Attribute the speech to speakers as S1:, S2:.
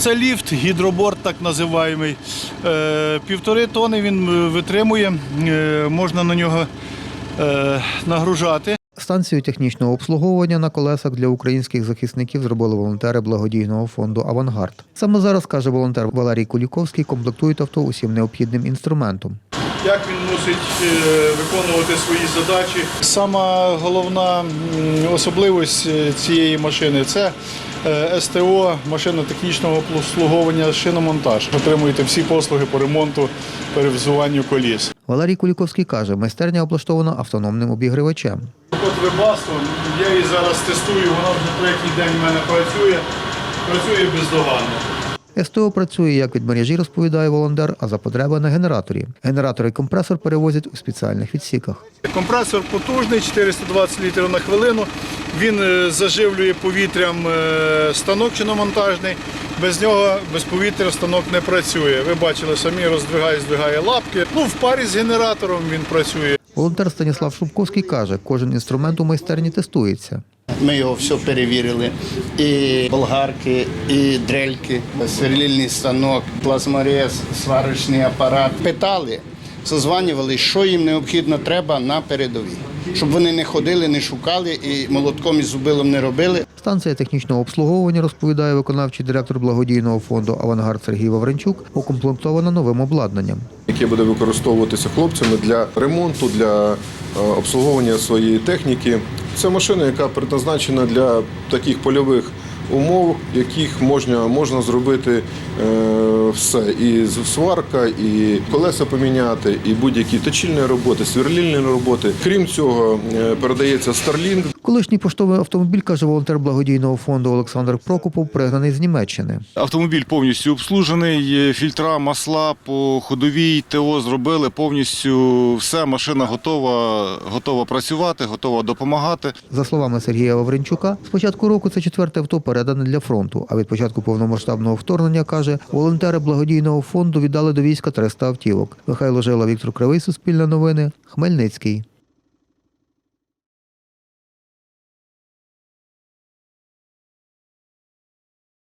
S1: Це ліфт, гідроборд так називаємо. 1,5 тонни він витримує, можна на нього нагружати.
S2: Станцію технічного обслуговування на колесах для українських захисників зробили волонтери благодійного фонду «Авангард». Саме зараз, каже волонтер Валерій Куліковський, комплектують авто усім необхідним інструментом.
S1: Як він мусить виконувати свої задачі. Сама головна особливість цієї машини – це СТО, машина технічного обслуговування, шиномонтаж. Отримуєте всі послуги по ремонту, перевзуванню коліс.
S2: Валерій Куліковський каже, майстерня облаштована автономним обігрівачем.
S1: От Webasto, я її зараз тестую, вона вже третій день в мене працює бездоганно.
S2: СТО працює як від мережі, розповідає волонтер, а за потреби на генераторі. Генератор і компресор перевозять у спеціальних відсіках.
S1: Компресор потужний, 420 літрів на хвилину. Він заживлює повітрям станок шиномонтажний. Без нього, без повітря станок не працює. Ви бачили самі, здвигає лапки. В парі з генератором він працює.
S2: Волонтер Станіслав Шубковський каже, кожен інструмент у майстерні тестується.
S3: Ми його все перевірили. І болгарки, і дрельки, сверлильний станок, плазморез, сварочний апарат. Питали, созванювали, що їм необхідно треба на передовій. Щоб вони не ходили, не шукали і молотком і зубилом не робили.
S2: Станція технічного обслуговування, розповідає виконавчий директор благодійного фонду «Авангард» Сергій Вавренчук, укомплектована новим обладнанням,
S4: яке буде використовуватися хлопцями для ремонту, для обслуговування своєї техніки. Це машина, яка предназначена для таких польових умов, яких можна зробити все. І сварка, і колеса поміняти, і будь-які точильні роботи, сверлильні роботи. Крім цього, передається Starlink.
S2: Колишній поштовий автомобіль, каже волонтер благодійного фонду Олександр Прокопов, пригнаний з Німеччини.
S5: Автомобіль повністю обслужений, фільтра, масла по ходовій, ТО зробили, повністю все, машина готова працювати, готова допомагати.
S2: За словами Сергія Вавренчука, з початку року це 4-те авто передане для фронту, а від початку повномасштабного вторгнення, каже, волонтери благодійного фонду віддали до війська 300 автівок. Михайло Жила, Віктор Кривий, Суспільне новини, Хмельницький.